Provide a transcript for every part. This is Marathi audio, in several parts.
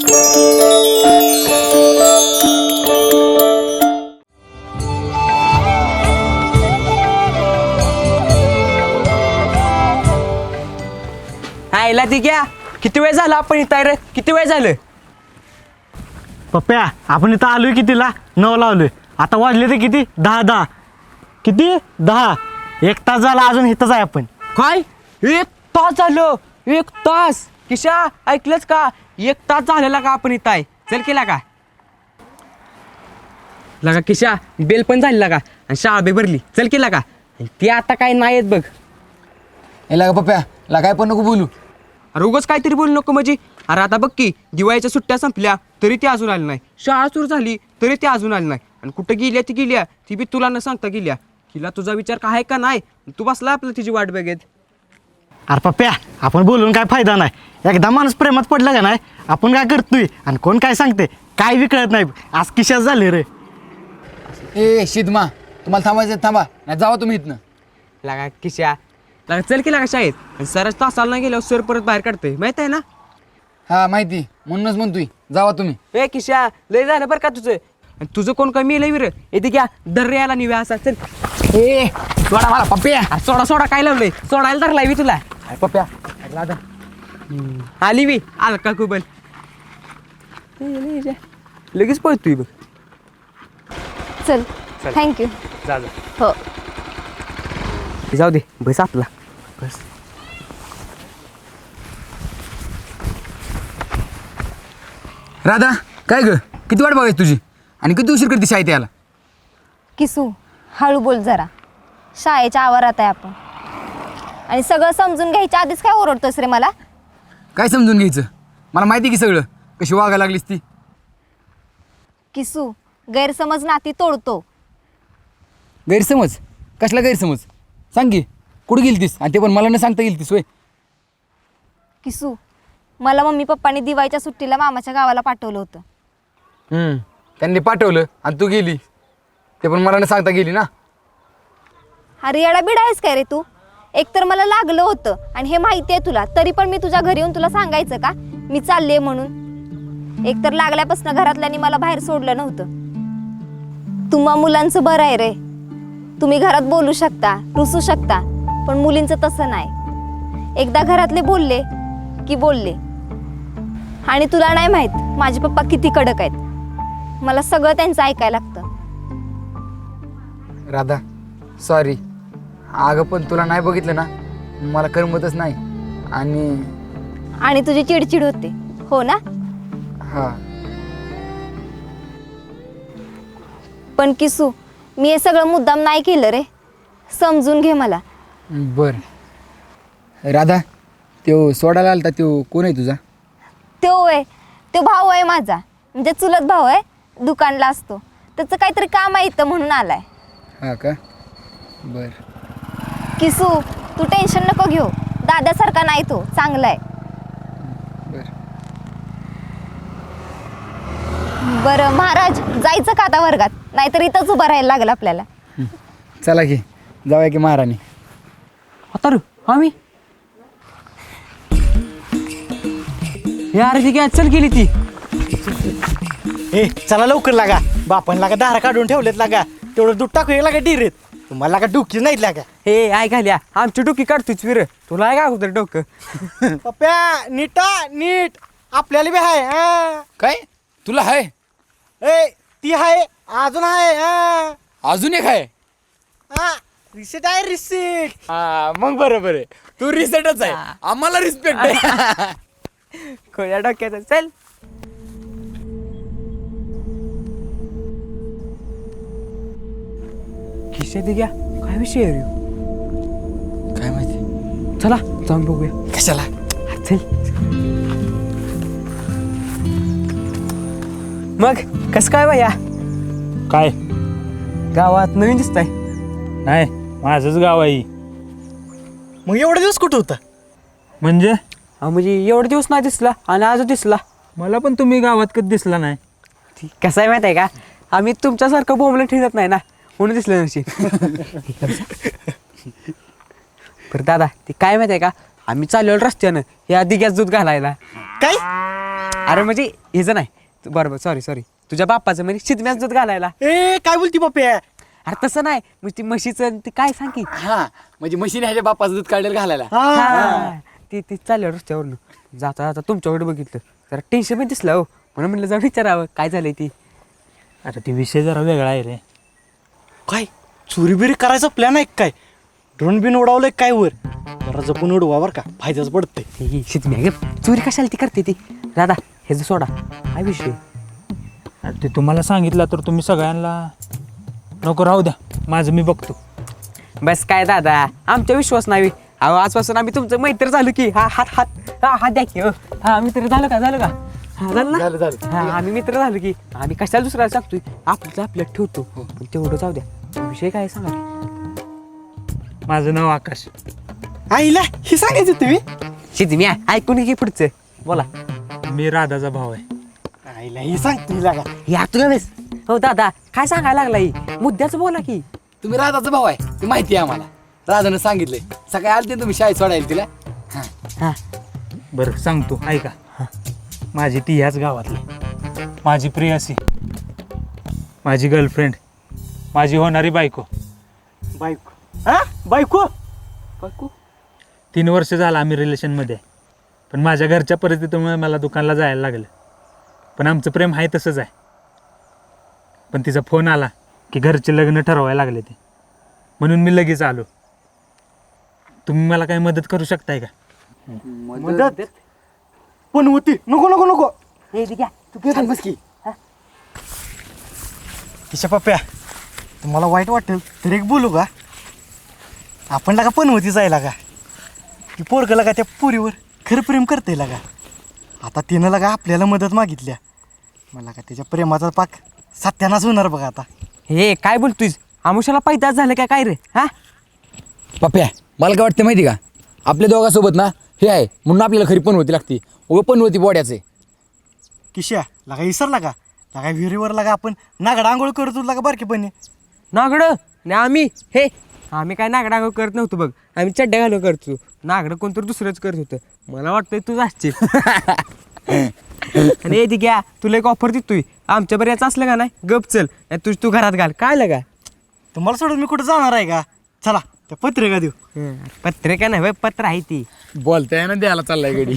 आईला ती घ्या. किती वेळ झाला आपण इथं रे? किती वेळ झालं? पप्प्या आपण इथं आलोय कितीला? 9 लावलोय. आता वाजले ते किती? 10. किती? 10. 1 तास झाला अजून इथंच आहे आपण. काय 1 तास झालं? 1 तास? किशा ऐकलंच का? 1 तास झालेला का आपण इथं आहे? चल केला का लगा किशा? बेल पण झालेला का? आणि शाळा बी भरली. चल केला का? ती आता काय नाही येत बघ. लागा पप्प्या ला काय पण नको बोलू. अरे उगाच काहीतरी बोलू नको म्हणजे. अरे आता बघ की दिवाळीच्या सुट्ट्या संपल्या तरी ती अजून आली नाही. शाळा सुरू झाली तरी ती अजून आली नाही. आणि कुठं गेल्या ती गेल्या ती बी तुला न सांगता गेल्या. तिला तुझा विचार काय आहे का नाही? तू बसला आपलं तिची वाट बघेत. अरे पप्प्या आपण बोलून काय फायदा नाही. एकदा माणूस प्रेमात पडला का नाही आपण काय करतोय आणि कोण काय सांगते काय बी कळत नाही. आज किशाच झाले रे. ए शिदमा तुम्हाला थांबायचं थांबा नाही जावा तुम्ही इथनं. लागा किशा लागा चल की लागा शाळेत. आणि सरच तासाला नाही गेल्यावर सर परत बाहेर काढतोय माहित आहे ना. हा माहिती म्हणूनच म्हणतोय जावा तुम्ही. ए किशा लय झालं बरं का तुझं. आणि तुझं कोण कमी येईल विर येते घ्या दर याला निव्या असा. चल ए सोडा मला पप्प्या. अरे सोडा सोडा काय लावलंय? सोडायला धरलाय मी तुला. पप्प्या राधा आली मी आल का कुबल लगेच पळतोय बघ. चल थँक्यू. जा जा. हो जाऊ दे बस आपला बस. राधा काय ग किती वाट बघायची तुझी आणि किती उशीर करते शाळेत यायला? किसू हळू बोल जरा. शाळेच्या आवारात आहे आपण आणि सगळं समजून घ्यायच्या आधीच काय ओरडतोस रे मला? काय समजून घ्यायचं? मला माहिती की सगळं कशी वागायला लागलीस ती. किसू गैरसमज नाती तोडतो. गैरसमज? कसला गैरसमज? सांग की कुठं गेलतीस आणि ते पण मला न सांगता गेलतीस होय? किसू मला मम्मी पप्पांनी दिवाळीच्या सुट्टीला मामाच्या गावाला पाठवलं होतं. त्यांनी पाठवलं आणि तू गेली ते पण मला न सांगता गेली ना. अरे येडा बिडा आहेस काय रे तू? एकतर मला लागलं होतं आणि हे माहिती आहे तुला तरी पण मी तुझ्या घरी येऊन तुला सांगायचं का मी चालले म्हणून? एकतर लागल्यापासून घरातल्यांनी मला बाहेर सोडलं नव्हतं. तुम्हा मुलांचं बरं आहे रे. तुम्ही घरात बोलू शकता रुसू शकता पण मुलींचं तसं नाही. एकदा घरातले बोलले की बोलले. आणि तुला नाही माहीत माझे पप्पा किती कडक आहेत. मला सगळं त्यांचं ऐकायला लागतं. राधा सॉरी. अगं पण तुला नाही बघितलं ना मला करमतच नाही. आणि तुझी चिडचिड होते हो ना? हां पण किसू मी हे सगळं मुद्दाम नाही केलं रे. समजून घे मला. बरं. राधा तो सोडायला आलता तो कोण आहे तुझा? तो भाऊ आहे माझा म्हणजे चुलत भाऊ आहे. दुकानला असतो. त्याचं काहीतरी काम आहे इथं म्हणून आलाय. हां का? बरं. किसू तू टेन्शन नको घेऊ. दादासारखा नाही तो चांगला आहे. बरं बरं महाराज जायचं का आता वर्गात? नाहीतर इथंच उभं राहायला लागलं आपल्याला. चला की जाऊया की महाराणी. आता रे आम्ही यार ती काय चल गेली ती. ए चला लवकर लागा. बापान लागा दारा काढून ठेवलेत लागा. तेवढं दूध टाकू लागा डिरेत. तुम्हाला लागा डुकी नाही लागा. हे आय घाल्या आमची डोकी काढतोच विर. तुला आहे का अगोदर डोकं? पप्प्या नीट आपल्याला बी हाय. काय तुला आहे? ए ती हाय अजून आहे. अजून एक आहे? रिसेट आहे रिसेट. हा मग बरोबर आहे. तू रिसेटच आहे. आम्हाला रिस्पेक्ट आहे. खोया डोक्याचं चल. खिशा दे घ्या काय विषय आहे रे? काय माहिती? चला जाऊन बघूया. कशाला? चल. मग कस काय भैया? काय गावात नवीन दिसताय. नाही माझंच गाव आहे. मग एवढे दिवस कुठं होता? म्हणजे म्हणजे एवढे दिवस नाही दिसला आणि आज दिसला. मला पण तुम्ही गावात कधी दिसला नाही. कसं आहे माहिती आहे का? आम्ही तुमच्यासारखं बोंबलं ठेवत नाही ना म्हणून दिसलं नशी. बरं दादा ते काय माहिती आहे का? आम्ही चाललेलो रस्त्यानं या दिग्यात दूध घालायला. काय अरे म्हणजे हेच नाही बरोबर सॉरी तुझ्या बाप्पाचं म्हणजे शिदम्याच दूध घालायला. ए काय बोलती पप्या? अरे तसं नाही मग ती म्हशीचं ते काय सांग की. हा म्हणजे म्हशीने ह्याच्या बापाचं दूध काढलेलं घालायला. हा. ती चालल्या रस्त्यावरनं जाता जाता तुमच्याकडे बघितलं जरा टेन्शन पण दिसलं हो म्हणून म्हणलं जाऊन विचारावं काय झालंय ती. अरे ते विषय जरा वेगळा आहे रे. काय चोरी बिरी करायचा प्लॅन आहे काय? ड्रोन बिन उडवलंय काय वर? जरा जपून उडवा बरं का, फायद्याच पडतंय. ही शिदम्या गे चोरी कशाला ती करते ती. दादा हे जो सोडा काय विषय. अरे ते तुम्हाला सांगितलं तर तुम्ही सगळ्यांना नको राहू द्या, माझं मी बघतो. बस काय दादा आमचा विश्वास नाही. अहो आजपासून आम्ही तुमचं मैत्र झालो की. हा द्या की. हा मित्र झालं का हा झालं ना. झालं हा आम्ही मित्र झालो की. आम्ही कशाला दुसऱ्याला सांगतोय आपल्यात ठेवतो. पण तेवढं जाऊ द्या विषय काय सांगा की. माझं नाव आकाश. आईला हे सांगायचं तुम्ही? शिदम्या ऐकून घे पुढचं बोला. मी राधाचा भाव आहे. आईला हे सांगतो लागा. या तुला बेस. हो दादा काय सांगायला लागला ही मुद्द्याचं बोला की. तुम्ही राधाचा भाऊ आहे ते माहिती आहे आम्हाला. राधानं सांगितलंय सकाळी आलते तुम्ही शाळेत सोडायला तिला. हा बरं सांगतो ऐका. माझी ती ह्याच गावातली, माझी प्रियासी, माझी गर्लफ्रेंड, माझी होणारी बायको. बायको? हा बायको? 3 वर्ष झालं आम्ही रिलेशनमध्ये आहे. पण माझ्या घरच्या परिस्थितीमुळे मला दुकानला जायला लागलं. पण आमचं प्रेम आहे तसंच आहे. पण तिचा फोन आला की घरचे लग्न ठरवायला लागले ते, म्हणून मी लगेच आलो. तुम्ही मला काही मदत करू शकताय का? मदत पण होती. नको नको नको. बस की. किशा पप्प्या तुम्हाला वाईट वाटेल तर एक बोलू का? आपण लागा पण होती जायला का ती पोरगं लागा त्या पुरीवर खरं प्रेम करते लागा. आता तिनं लागा आपल्याला मदत मागितल्या. मला का त्याच्या प्रेमाचा पाक सत्यानाच होणार बघा आता. हे काय बोलतोय आमुषाला पैदास झालं काय रे. हा पप्प्या मला काय वाटतं माहिती का, आपल्या दोघांसोबत ना हे आहे म्हणून आपल्याला खरी पण होती लागती. पण होती बोड्याचे. किशा लागा इसरला का लागा विहिरीवर लागा आपण नागडा आंघोळ करतो लागा बारकेपणी. नागडं आणि आम्ही काय नागडा करत नव्हतो बघ. आम्ही चड्ड्या घालून करतो. नागडं कोणतरी दुसरंच करत होतं. मला वाटतंय तूच असशील. आणि हे घ्या तुला एक ऑफर देतोय. आमच्या बऱ्याच असलं का नाही गप चल नाही तू घरात घाल काय लगा. तुम्हाला सोडून मी कुठं जाणार आहे का? चला त्या पत्रिका देऊ. पत्रिका नाही पत्र आहे ती. बोलताय ना द्यायला चाललाय गडी.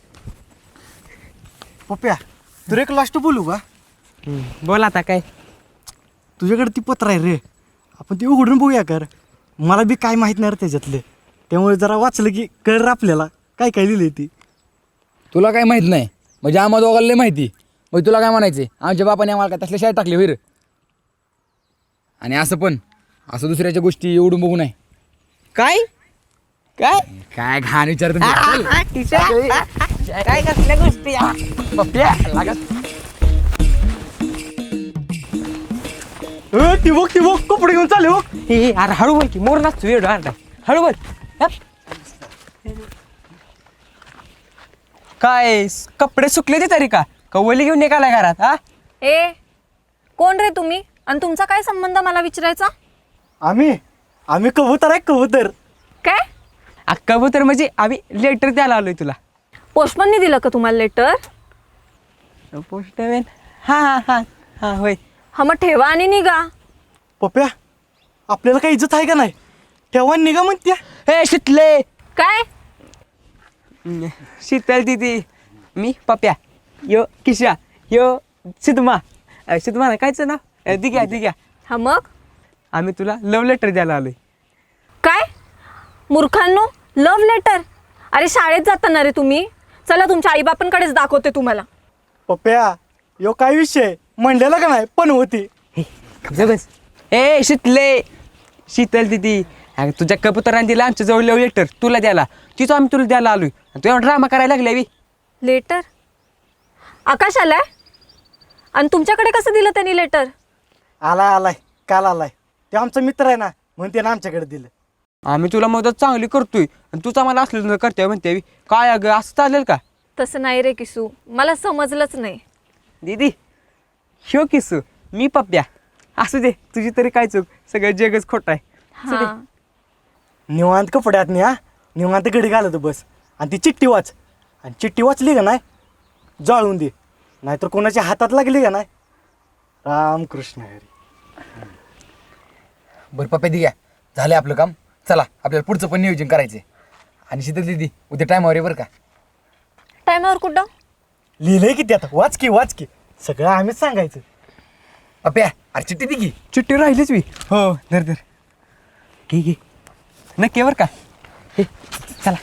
पप्प्या तुला एक लास्ट बोलू का? बोल आता काय. तुझ्याकडे ती पत्र आहे रे, आपण ती उघडून बघूया कर. मला बी काय माहीत नाही रे त्याच्यातले, त्यामुळे जरा वाचलं की कळलं आपल्याला काय काय लिहिलंय ती. तुला काय माहित नाही म्हणजे आम्हा दोघांना लय माहिती. मग तुला काय म्हणायचे आमच्या बापाने आम्हाला काय तसल्या शाळेत टाकले वीर. आणि असं दुसऱ्याच्या गोष्टी एवढून बघू नाही. काय काय काय घाण विचार तुम्ही. काय कसल्या गोष्टी ती बघ कपडे घेऊन चालले हो. अरे हळू बोल की मोर नाचतो वेळ हळू बोल. काय कपडे सुकले ते तरी का कवली घेऊन निघालाय घरात. हा ए कोण रे तुम्ही आणि तुमचा काय संबंध मला विचारायचा? आम्ही कबूतर आहे कबूतर. काय कबूतर म्हणजे आम्ही लेटर द्यायला आलोय तुला. पोस्टमनने दिलं का तुम्हाला लेटर? पोस्टमॅन हा होय. हा मग ठेवा आणि निघा. पप्प्या आपल्याला काही इज्जत आहे का नाही? ठेवा निघा म्हणत्या. हे शितले काय शीतल दिदी मी पप्या यो किशा यो सिद्धमा ना कायचं नाव दिग्या. हा मग आम्ही तुला लव्ह लेटर द्यायला आलोय. काय मूर्खांनो लव्ह लेटर? अरे शाळेत जाताना रे तुम्ही. चला तुमच्या आईबापांकडेच दाखवते तुम्हाला. पप्प्या यो काय विषय म्हणलेला का नाही पण होती. बस ए शितले शीतल दिदी तुझ्या कबुतरांनी दिला आमच्या जवळ लव्ह लेटर तुला द्यायला. तिथं आम्ही तुला द्यायला आलोय तू एवढा ड्रामा करायला लागले. लेटर आकाश आलाय आणि तुमच्याकडे कसं दिलं त्यांनी लेटर? आलाय काल आलाय. ते आमचा मित्र आहे ना म्हणून त्यानं आमच्याकडे दिलं. आम्ही तुला मदत चांगली करतोय आणि तूच आम्हाला असलं करते म्हणते काय अगं असं चालेल का? तसं नाही रे किसू, मला समजलंच नाही. दीदी शो किसू मी पप्प्या. असू दे तुझी तरी काय चूक सगळं जगच खोट आहे. असू दे. हा निवांत कपड्यात नाही. निवांत घडी घालत बस आणि ती चिठ्ठी वाच. आणि चिठ्ठी वाचली का नाही जाळून दे नाहीतर कोणाच्या हातात लागली का नाही रामकृष्ण हरी. बरं पप्प्या दी घ्या, झालं आपलं काम. चला आपल्याला पुढचं पण नियोजन करायचं आहे. आणि शीतल दिदी उद्या टायमावर आहे बरं का. टायमावर कुठं? लिहिलंय किती आता, वाच की सगळं आम्हीच सांगायचं. पप्प्या अरे चिठ्ठी दी की. चिठ्ठी राहिलीच मी. हो धर ठीक आहे नक्की बरं का. हे चला.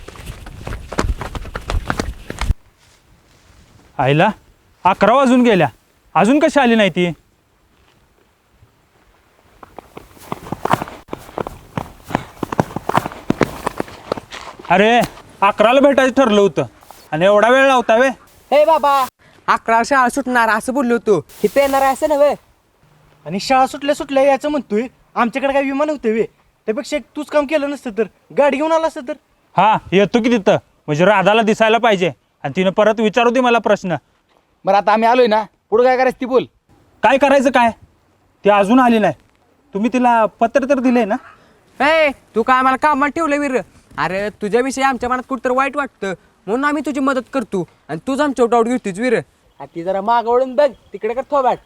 आईला 11 वाजून गेल्या, अजून कशी आली नाही ती? अरे 11ला भेटायचं ठरलं होतं आणि एवढा वेळ लावता वे? हे बाबा 11 शाळा सुटणार असं बोललो होतो. इथे येणार आहे असं नव्हे. आणि शाळा सुटल्या याचं म्हणतोय. आमच्याकडे काय विमान होते वे? त्यापेक्षा तूच काम केलं नसतं तर, गाडी घेऊन आला असतं तर. हा येतो की तिथं, म्हणजे राधाला दिसायला पाहिजे आणि तिनं परत विचारू दे मला प्रश्न. बरं आता आम्ही आलोय ना, पुढं काय करायचं ती बोल. काय करायचं काय? ती अजून आली नाही. तुम्ही तिला पत्र तर दिले ना? ए तू काय आम्हाला कामाला ठेवलं वीर? अरे तुझ्याविषयी आमच्या मनात कुठं वाईट वाटतं म्हणून आम्ही तुझी मदत करतो आणि तूच आमच्या डाऊट घेतोच वीर. ती जरा मागवळून बघ तिकडे कर थोबाट.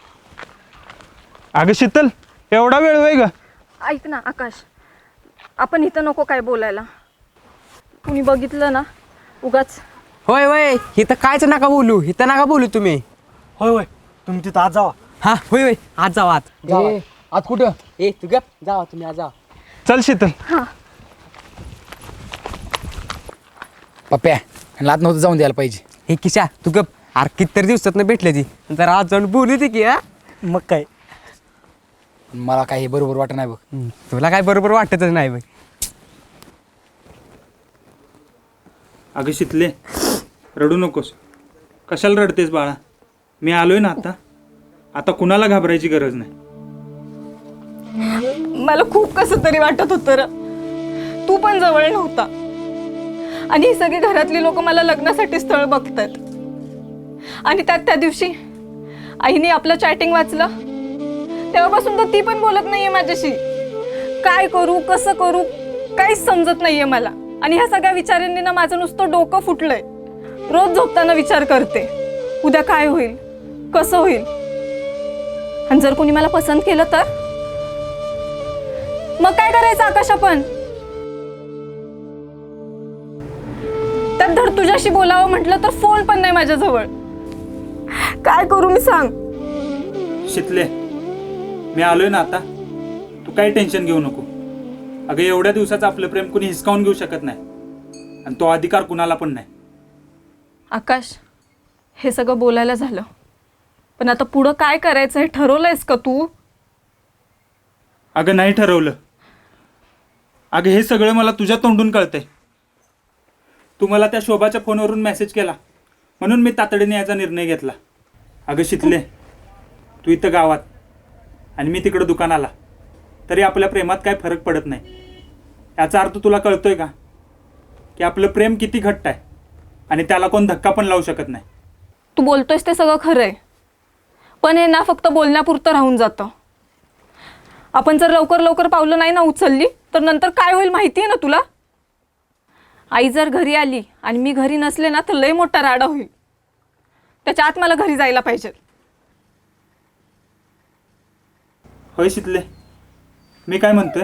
अगं शीतल, एवढा वेळ होय ग? ऐक ना आकाश, आपण इथं नको काय बोलायला. कुणी बघितलं ना उगाच. होय होय इथं कायच नका बोलू, इथं नका बोलू तुम्ही. होय तुम्ही तिथं आज जावा. हा होय होय आज जावा आत. ए, आज कुठं? ए तू गप जावा तुम्ही आज जावा. चल शीतल. पप्प्या ह्यांना आत नव्हतं जाऊन द्यायला पाहिजे. हे किशा तू गप. अरे कितीतरी दिवसात भेटले ती जरा आज जाऊन बोलू दे की. हा मग काय, मला काही बरोबर वाटत नाही बघ. तुला काय बरोबर वाटतच नाही बघ. अगं शीतले, रडू नकोस. कशाला रडतेस बाळा? मी आलोय ना आता कुणाला घाबरायची गरज नाही. मला खूप कसं तरी वाटत होतं र. तू पण जवळ नव्हता आणि ही सगळी घरातली लोक मला लग्नासाठी स्थळ बघतात. आणि त्यात त्या दिवशी आईने आपलं चॅटिंग वाचलं तेव्हापासून तर ती पण बोलत नाहीये माझ्याशी. काय करू कसं करू काहीच समजत नाहीये मला. आणि ह्या सगळ्या विचारांनी ना माझं नुसतं डोकं फुटलंय. रोज झोपताना विचार करते उद्या काय होईल कसं होईल. आणि जर कोणी मला पसंत केलं तर मग काय करायचं आकाश आपण? त्यात धड तुझ्याशी बोलावं म्हटलं तर फोन पण नाही माझ्याजवळ. काय करू मी सांग? शीतले, मी आलोय ना तू काही टेन्शन घेऊ नको. अगं एवढ्या दिवसाचं आपलं प्रेम कुणी हिसकावून घेऊ शकत नाही आणि तो अधिकार कुणाला पण नाही. आकाश, हे सगळं बोलायला झालं, पण आता पुढं काय करायचं हे ठरवलंयस का तू? अगं नाही ठरवलं. अगं हे सगळं मला तुझ्या तोंडून कळतंय. तू मला त्या शोभाच्या फोनवरून मेसेज केला म्हणून मी तातडीने याचा निर्णय घेतला. अगं शीतले, तू इथं गावात आणि मी तिकडं दुकानाला, तरी आपल्या प्रेमात काय फरक पडत नाही. याचा अर्थ तुला कळतोय का की आपलं प्रेम किती घट्ट आहे आणि त्याला कोण धक्का पण लावू शकत नाही. तू बोलतोयस ते सगळं खरं आहे, पण हे ना फक्त बोलण्यापुरतं राहून जातं. आपण जर लवकर लवकर पावलं नाही ना उचलली तर नंतर काय होईल माहिती आहे ना तुला? आई जर घरी आली आणि मी घरी नसले ना तर लय मोठा राडा होईल. त्याच्या आत मला घरी जायला पाहिजे. होय शीतले, मी काय म्हणतोय,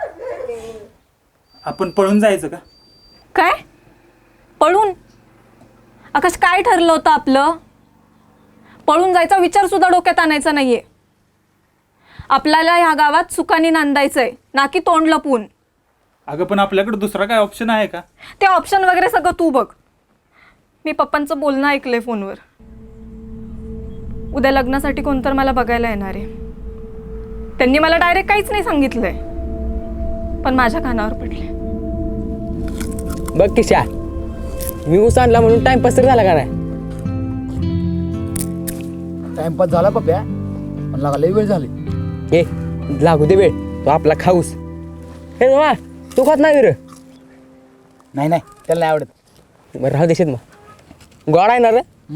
आपण पळून जायचं का? काय पळून? आकाश, काय ठरलं होतं आपलं? पळून जायचा विचार सुद्धा डोक्यात आणायचा नाहीये. आपल्याला ह्या गावात सुखाने नांदायचंय, ना की तोंड लपवून. अगं पण आपल्याकडे दुसरा काय ऑप्शन आहे का? ते ऑप्शन वगैरे सगळं तू बघ. मी पप्पांचं बोलणं ऐकलंय फोनवर. उद्या लग्नासाठी कोणतर मला बघायला येणार आहे. त्यांनी मला डायरेक्ट काहीच नाही सांगितलंय, पण माझ्या कानावर पडले. बघ किशा, मी ऊस आणला म्हणून टाइमपास तर झाला का नाही? टाइमपास झाला पप्प्या, पण लागा लई वेळ झाली. ए लागू दे वेळ, तो आपला खाऊस. हे वा तू खात नाही वीर? नाही नाही त्याला नाही आवडत. बरं राहू देशील मग. गोड आहे ना रे?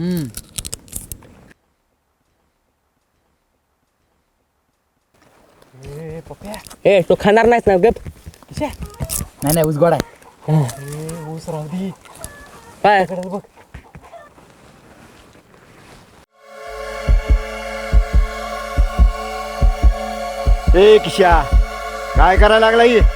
ए तो खाणार नाहीस ना? गप. नाही नाही उस गोड आहे. ऊस राहू दे. काय इकडे बघ. ए किशा काय करायला लागला ही